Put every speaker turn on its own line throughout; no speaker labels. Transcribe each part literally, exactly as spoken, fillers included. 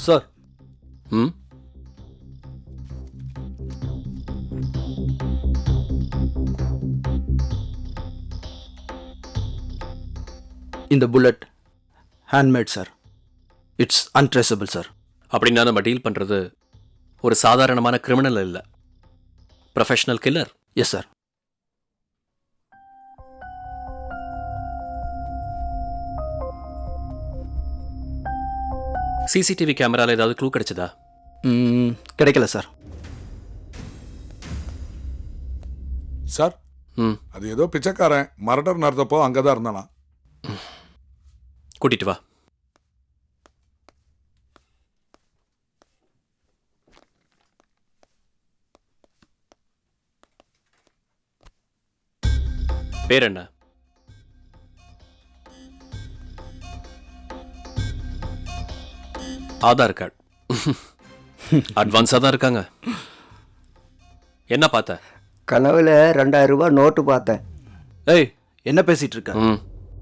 Sir.
ம்
இந்த bullet handmade sir. It's untraceable sir.
அப்படின்னா நம்ம டீல் பண்ணுறது ஒரு சாதாரணமான கிரிமினல் இல்லை, professional killer.
Yes sir.
CCTV கேமராவில் ஏதாவது க்ளூ கிடைச்சதா?
கிடைக்கல சார்.
சார்,
ம்
அது ஏதோ பிச்சைக்காரன் மர்டர் நடந்தப்போ அங்கே தான் இருந்தானா.
கூட்டிட்டு வா. பேர் என்ன? ஆதார் கார்டு. அட்வான்ஸாக தான் இருக்காங்க. என்ன பார்த்த?
கனவுல ரெண்டாயிரம் ரூபாய் நோட்டு பார்த்தேன்.
ஏய், என்ன பேசிட்டு இருக்க?
ம்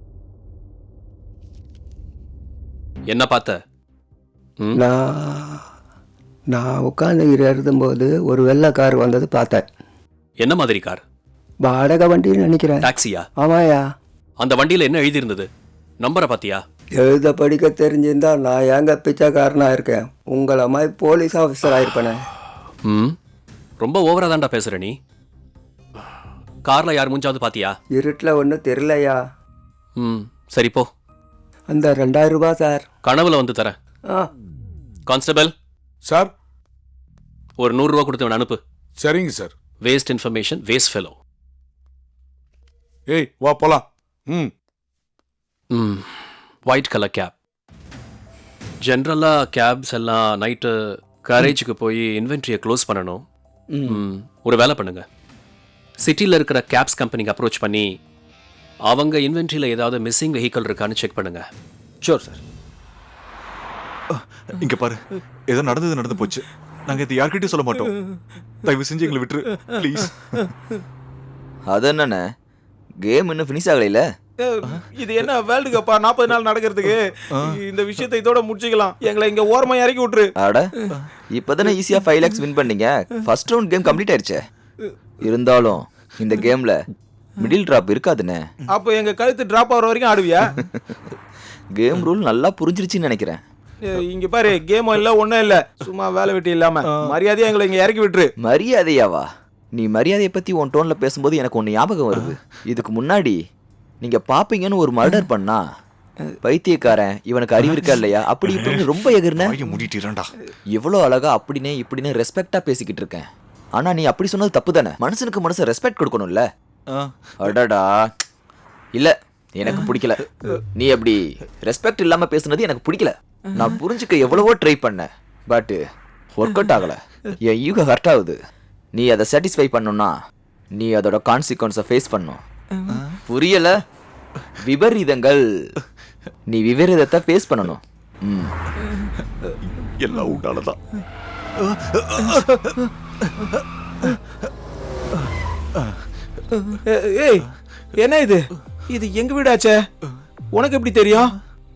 என்ன பார்த்த? ம்
நான் நான் உட்காந்து எழுதும்போது ஒரு வெள்ளை கார் வந்தது பார்த்தேன்.
என்ன மாதிரி கார்?
வாடகை வண்டின்னு நினைக்கிறேன்.
டாக்ஸியா?
ஆமாயா.
அந்த வண்டியில் என்ன எழுதியிருந்தது? நம்பரை பார்த்தியா?
எழுத படிக்க தெரிஞ்சிருந்தா நான் ஏங்க பிச்சைக்காரனா இருக்கேன்? உங்களை மாதிரி போலீஸ் ஆஃபீஸர் ஆயிருப்பேனே.
ம் ரொம்ப ஓவரா தான்டா பேசுற நீ. கார்ல யார் மூஞ்சாவது பாத்தியா?
இருட்டில் ஒன்றும் தெரியலையா.
ம் சரி போ.
அந்த ரெண்டாயிரம் ரூபாய் சார்.
கனவுல வந்து தரேன்.
ஆ
கான்ஸ்டபிள்
சார்.
ஒரு நூறுரூவா கொடுத்து அவனை அனுப்பு.
சரிங்க sir.
Waste information, waste fellow.
ஏய் வா போலாம். ம்
ம் ஒயிட் கலர் கேப். ஜென்ரலாக கேப்ஸ் எல்லாம் நைட்டு கரேஜுக்கு போய் இன்வென்ட்ரியை க்ளோஸ் பண்ணணும். ம் ஒரு வேலை பண்ணுங்க, சிட்டியில் இருக்கிற கேப்ஸ் கம்பெனிக்கு அப்ரோச் பண்ணி அவங்க இன்வென்ட்ரியில் ஏதாவது மிஸ்ஸிங் வெஹிக்கிள் இருக்கான்னு செக் பண்ணுங்க.
Sure sir.
இங்க பாரு, ஏதோ நடந்தது நடந்து போச்சு. நாங்க இது யார்கிட்டயும் சொல்ல மாட்டோம். தயவு செஞ்சு எங்களை விட்டுரு ப்ளீஸ்.
அது என்னண்ணே, கேம் இன்னும் ஃபினிஷ் ஆகலையில?
இது என்ன வேர்ல்டு கப்பா நாற்பது நாள் நடக்கிறதுக்கு? இந்த விஷயத்தை இதோட முடிச்சுக்கலாம். எங்களை இங்க ஓரமா இறக்கி விட்டுரு.
அட இப்பதானே ஈஸியா ஃபைவ் லேக்ஸ் வின் பண்ணீங்க. ஃபர்ஸ்ட் ரவுண்ட் கேம் கம்ப்ளீட் ஆயிடுச்சே. இருந்தாலும் இந்த கேம்ல மிடில் டிராப் இருக்காதுண்ணே.
அப்போ எங்க கழுத்து டிராப் ஆகிற வரைக்கும் ஆடுவியா?
கேம் ரூல் நல்லா புரிஞ்சிருச்சுன்னு நினைக்கிறேன்.
இங்க பாரு, கேம் இல்ல ஒன்னும் இல்ல, சும்மா வேலை வெட்டி இல்லாம மரியாதையா எங்களை இங்க இறக்கி விட்டுரு.
மரியாதையாவா? நீ மரியாதையை பத்தி உன் டோன்ல பேசும்போது எனக்கு ஒன்று ஞாபகம் வருது. இதுக்கு முன்னாடி நீங்க பாப்பீங்கன்னு ஒரு மர்டர் பண்ணா பைத்தியக்காரன் இவனுக்கு அறிவு இருக்கா இல்லையா அப்படி இப்படின்னு ரொம்ப எகிர்ன. எவ்வளோ அழகா அப்படின்னே இப்படின்னு ரெஸ்பெக்டா பேசிக்கிட்டு இருக்கேன். ஆனா நீ அப்படி சொன்னது தப்பு தானே. மனுஷனுக்கு மனுஷன் ரெஸ்பெக்ட் கொடுக்கணும்ல. அடடா இல்ல, எனக்கு பிடிக்கல. நீ அப்படி ரெஸ்பெக்ட் இல்லாம பேசுனது எனக்கு பிடிக்கல. நான் புரிஞ்சுக்க எவ்வளவோ ட்ரை பண்ணேன், பட் ஒர்க் அவுட் ஆகல. என் ஈகோ ஹர்ட் ஆகுது. நீ அதை சாட்டிஸ்ஃபை பண்ணணும்னா நீ அதோட கான்சிக்வன்ஸை ஃபேஸ் பண்ணும். புரியல? விபரீதங்கள். நீ விபரீதத்தை ஃபேஸ் பண்ணணும். ம்
எல்லாம் உண்டாலதான்.
ஏய் என்ன இது? இது எங்க வீடாச்சே, உனக்கு எப்படி தெரியும்?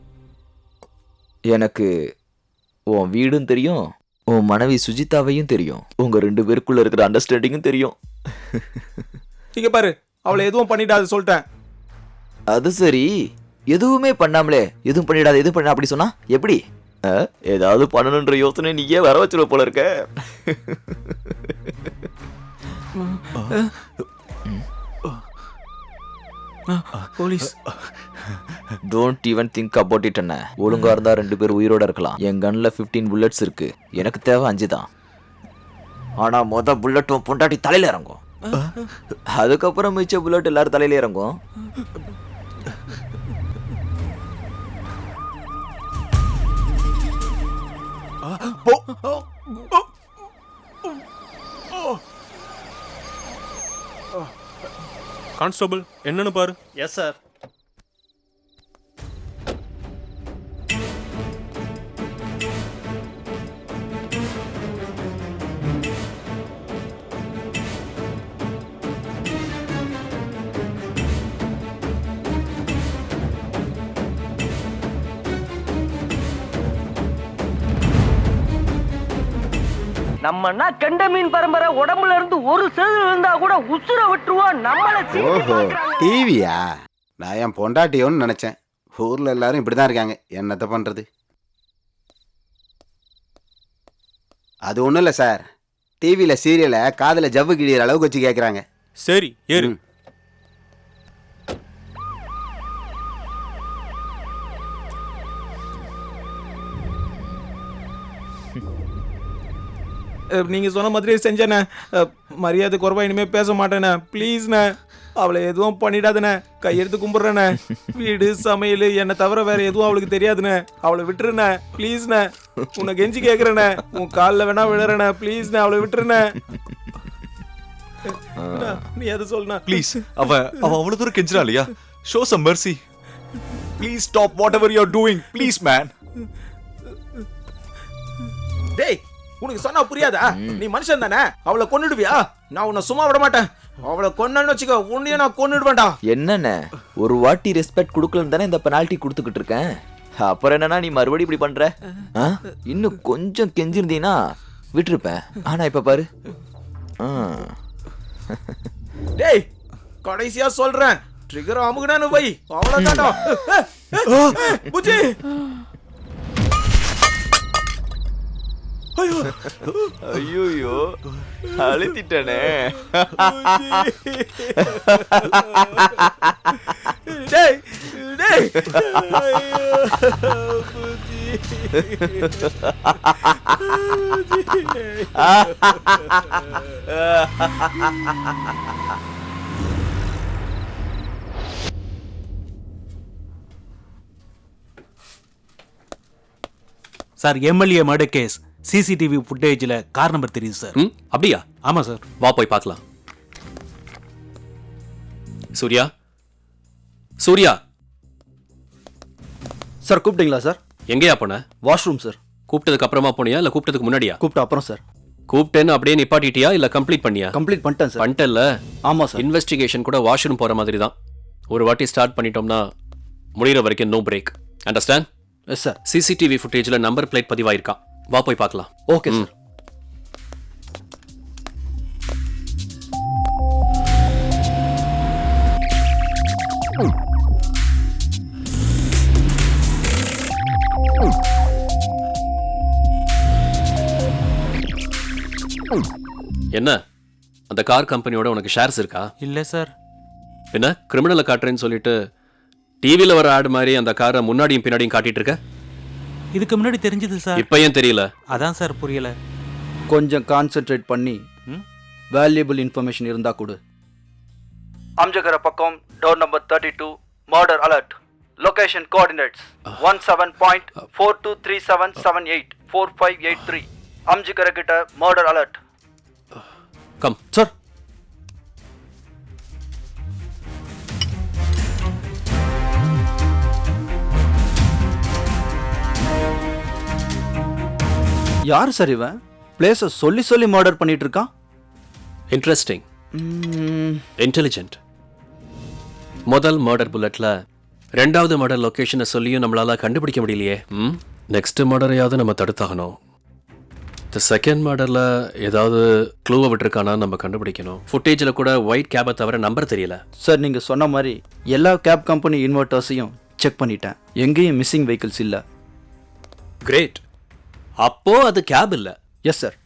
எனக்கு உன் வீடும் தெரியும், உன் மனைவி சுஜிதாவையும் தெரியும், உங்க ரெண்டு பேருக்குள்ள இருக்கிற அண்டர்ஸ்டாண்டிங்கும் தெரியும்.
இங்க பாரு, அவளை எதுவும் பண்ணிடாது சொல்லிட்டேன்.
அது சரி, எதுவுமே பண்ணாமலே எதுவும் பண்ணிடாது எதுவும் பண்ண அப்படி சொன்னா எப்படி? ஏதாவது பண்ணணுன்ற யோசனை நீயே வர வச்சிருவ போல இருக்க.
Police.
Don't even think about it. என்ன ஒழுங்கா இருந்தா ரெண்டு பேர் உயிரோட இருக்கலாம். என் கன்ல பிப்டீன் புல்லட்ஸ் இருக்கு, எனக்கு தேவை அஞ்சு தான். ஆனா மொத புல்லட்டும் பொண்டாட்டி தலையில இறங்கும், அதுக்கப்புறம் மிச்ச புல்லட் எல்லாரும் தலையில இறங்கும்.
கான்ஸ்டபிள் என்னன்னு பாரு.
Yes sir.
நம்மன்னா கெண்ட மீன் பரம்பரை உடம்புல இருந்து ஒரு செதில் இருந்தா கூட உசுர விட்டுருவோம் நம்மள
ஓஹோ டிவியா? நான் என் பொண்டாட்டியோன்னு நினைச்சேன். ஊர்ல எல்லாரும் இப்படிதான் இருக்காங்க. என்னத்த பண்றது? அது ஒண்ணும் இல்ல சார். டிவியில சீரியலை காதுல ஜவ்வு கிழியிற அளவுக்கு வச்சு கேக்குறாங்க.
சரி ஏறு.
ம்.
அஹ், நீங்க சொன்ன மாதிரியே செஞ்சேண்ணே. அஹ், மரியாதை குறைவா இனிமே பேச மாட்டேண்ணே. ப்ளீஸ்ண்ணே, அவளை எதுவும் பண்ணிடாதுண்ணே. கையெடுத்து கும்பிட்றேண்ணே. வீடு சமையல் என்னை தவிர வேற எதுவும் அவளுக்கு தெரியாதுண்ணே. அவளை விட்டுருண்ணே ப்ளீஸ்ண்ணே. உன்னை கெஞ்சி கேட்குறேண்ணே. உன் காலில் வேணா விழுறேண்ணே. ப்ளீஸ்ண்ணே, அவளை விட்டுருண்ணே. அண்ணா, நீ அதை சொல்லுண்ணா.
ப்ளீஸ், அவ அவ அவ்வளவு தூரம் கெஞ்சிரா இல்லையா? Show some mercy. Please stop whatever you are doing. Please man.
டேய், உனக்கு சொன்னா புரியாதா? நீ மனுஷன் தானே? அவளை கொன்னுடுவியா? நான் உன்னை சும்மா விட மாட்டேன். அவளை கொன்னு வச்சுக்கோ, உன்னையும் நான் கொன்னுடுவேன்டா.
என்னண்ணே, ஒரு வாட்டி ரெஸ்பெக்ட் கொடுக்கலன்னு தானே இந்த பெனால்ட்டி கொடுத்துக்கிட்டு இருக்கேன். அப்புறம் என்னன்னா நீ மறுபடியும் இப்படி பண்ற? ஆ? இன்னும் கொஞ்சம் கெஞ்சிருந்தீங்கன்னா விட்டுருப்பேன். ஆனா இப்ப பாரு. ஆ.
டேய், கடைசியா சொல்றேன், ட்ரிகர் அமுகுனானு வை, அவ்வளவுதான்டா. புஜி,
ஐயோ அழுத்திட்டனே.
டேய் டேய், புஜி.
Sir, MLA murder case CCTV ஃபுட்டேஜில் கார் நம்பர் தெரியுது சார்.
ம் அப்படியா?
ஆமாம் சார்.
வா போய் பார்க்கலாம். சூர்யா, சூர்யா,
சார் கூப்பிட்டீங்களா சார்?
எங்கேயா போன?
Washroom sir.
கூப்பிட்டதுக்கு அப்புறமா போனியா இல்ல கூப்பிட்டதுக்கு முன்னாடியா?
கூப்பிட்ட அப்புறம் சார்.
கூப்பிட்டேன்னு அப்படியே நிப்பாட்டிட்டியா இல்ல கம்ப்ளீட் பண்ணியா?
கம்ப்ளீட் பண்ணிட்டேன் சார்.
பண்ணிட்டல்ல.
ஆமாம் சார்.
இன்வெஸ்டிகேஷன் கூட வாஷ்ரூம் போற மாதிரி தான். ஒரு வாட்டி ஸ்டார்ட் பண்ணிட்டோம்னா முடிகிற வரைக்கும் no break. Understand?
Yes sir.
CCTV ஃபுட்டேஜில் நம்பர் பிளேட் பதிவாயிருக்கான். வா போய் பார்க்கலாம்.
Okay sir.
என்ன, அந்த கார் கம்பெனியோட உனக்கு ஷேர்ஸ் இருக்கா?
இல்லை சார்.
என்ன கிரிமினலை காட்டுறேன்னு சொல்லிட்டு டிவியில் வர ஆடு மாதிரி அந்த காரை முன்னாடியும் பின்னாடியும் காட்டிட்டு இருக்க?
இதுக்கு முன்னாடி தெரிஞ்சது சார்.
இப்போ ஏன் தெரியல?
அதான் சார் புரியல.
கொஞ்சம் கான்சென்ட்ரேட் பண்ணி வேல்யூபிள் இன்ஃபர்மேஷன் இருந்தா கொடு. அம்ஜகர பக்கம், door number thirty two, murder alert. Location coordinates one seven point four two three seven seven eight four five eight three. Aminjikarai கிட்ட மர்டர் அலர்ட்.
Come
sir. யார் சார் இவன்? பிளேஸை சொல்லி சொல்லி மர்டர் பண்ணிட்டு இருக்கான்.
Interesting, intelligent. முதல் மர்டர் புல்லட்ல ரெண்டாவது மர்டர் லொகேஷனை சொல்லியும் நம்மளால கண்டுபிடிக்க முடியலையே. ம் நெக்ஸ்ட் மர்டரையாவது நம்ம தடுத்தாகணும். இந்த செகண்ட் மர்டரில் ஏதாவது க்ளூவை விட்டுருக்கானா நம்ம கண்டுபிடிக்கணும். ஃபுட்டேஜில் கூட ஒயிட் கேபை தவிர நம்பர் தெரியல.
சார் நீங்கள் சொன்ன மாதிரி எல்லா கேப் கம்பெனி இன்வெர்ட்டர்ஸையும் செக் பண்ணிட்டேன். எங்கேயும் மிஸ்ஸிங் வெஹிக்கிள்ஸ் இல்லை.
கிரேட். அப்போ அது கேப் இல்லை.
Yes sir.